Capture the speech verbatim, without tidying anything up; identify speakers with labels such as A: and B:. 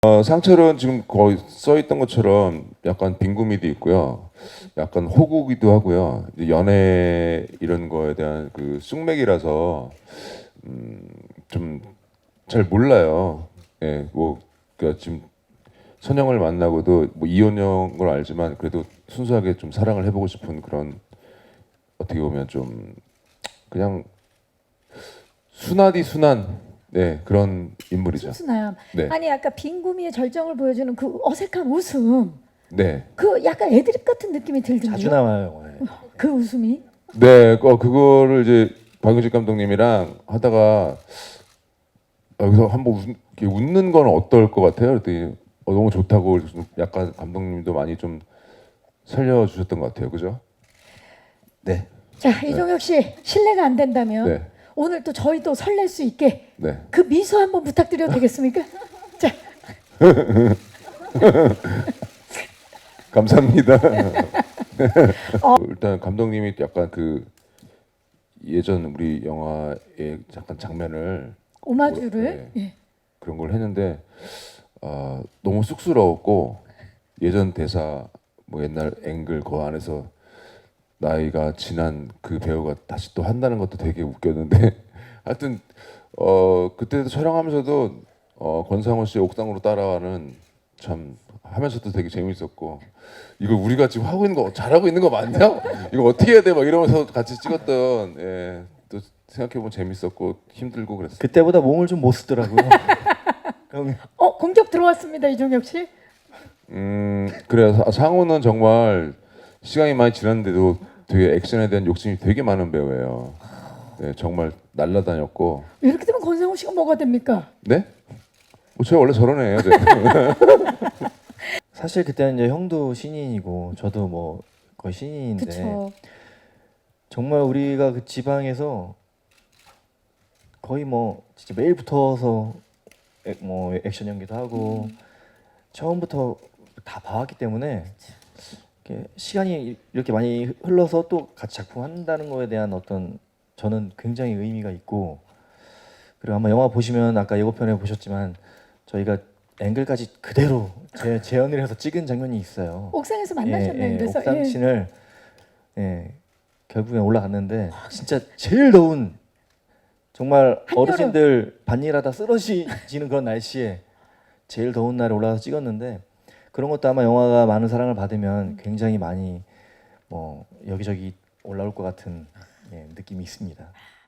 A: 어, 상철은 지금 거의 써 있던 것처럼 약간 빈구미도 있고요. 약간 호구기도 하고요. 이제 연애 이런 거에 대한 그 쑥맥이라서 음, 좀 잘 몰라요. 예, 뭐 그러니까 지금 선영을 만나고도 뭐 이혼한 걸 알지만 그래도 순수하게 좀 사랑을 해보고 싶은 그런 어떻게 보면 좀 그냥 순하디 순한 네 그런 인물이죠.
B: 순수남.
A: 네,
B: 아니 아까 빈구미의 절정을 보여주는 그 어색한 웃음.
A: 네,
B: 그 약간 애드립 같은 느낌이 들던데요.
C: 자주 나와요 영화에.
B: 그 웃음이.
A: 네. 어 그거를 이제 박윤식 감독님이랑 하다가 여기서 한번 웃, 이렇게 웃는 건 어떨 것 같아요? 그랬더니 어, 너무 좋다고 그래서 좀 약간 감독님도 많이 좀 살려주셨던 것 같아요. 그죠?
C: 네.
B: 자 이종혁 씨 실례가 안 된다면
A: 네.
B: 오늘 또 저희도 설렐 수 있게
A: 네.
B: 그 미소 한번 부탁드려도 되겠습니까? 자
A: 감사합니다. 어. 일단 감독님이 약간 그 예전 우리 영화의 잠깐 장면을
B: 오마주를
A: 네.
B: 예.
A: 그런 걸 했는데 아, 너무 쑥스러웠고 예전 대사 뭐 옛날 앵글 그 안에서 나이가 지난 그 배우가 다시 또 한다는 것도 되게 웃겼는데 하여튼 어 그때도 촬영하면서도 어 권상우 씨 옥상으로 따라와는 참 하면서도 되게 재밌었고 이거 우리가 지금 하고 있는 거 잘하고 있는 거 맞냐? 이거 어떻게 해야 돼? 막 이러면서 같이 찍었던 예, 또 생각해보면 재밌었고 힘들고 그랬어요.
C: 그때보다 몸을 좀 못 쓰더라고요. 형이.
B: 어 공격 들어왔습니다 이종혁 씨.
A: 음 그래요. 사- 상우는 정말 시간이 많이 지났는데도 되게 액션에 대한 욕심이 되게 많은 배우예요. 네, 정말 날라다녔고.
B: 이렇게 되면 권상우 씨가 뭐가 됩니까?
A: 네? 뭐 제가 원래 저런 애예요. 네.
C: 사실 그때는 이제 형도 신인이고 저도 뭐 거의 신인인데
B: 그렇죠.
C: 정말 우리가 그 지방에서 거의 뭐 진짜 매일 붙어서 액, 뭐 액션 연기도 하고
B: 음.
C: 처음부터 다 봐왔기 때문에 이렇게 시간이 이렇게 많이 흘러서 또 같이 작품 한다는 거에 대한 어떤 저는 굉장히 의미가 있고 그리고 아마 영화 보시면 아까 예고편에 보셨지만 저희가 앵글까지 그대로 재, 재현을 해서 찍은 장면이 있어요.
B: 옥상에서 만나셨나요?
C: 예, 예,
B: 그래서
C: 옥상
B: 예.
C: 씬을 예, 결국에 올라갔는데 진짜 제일 더운 정말
B: 한여름.
C: 어르신들 반일하다 쓰러지는 그런 날씨에 제일 더운 날에 올라가서 찍었는데 그런 것도 아마 영화가 많은 사랑을 받으면 굉장히 많이 뭐 여기저기 올라올 것 같은 예, 느낌이 있습니다.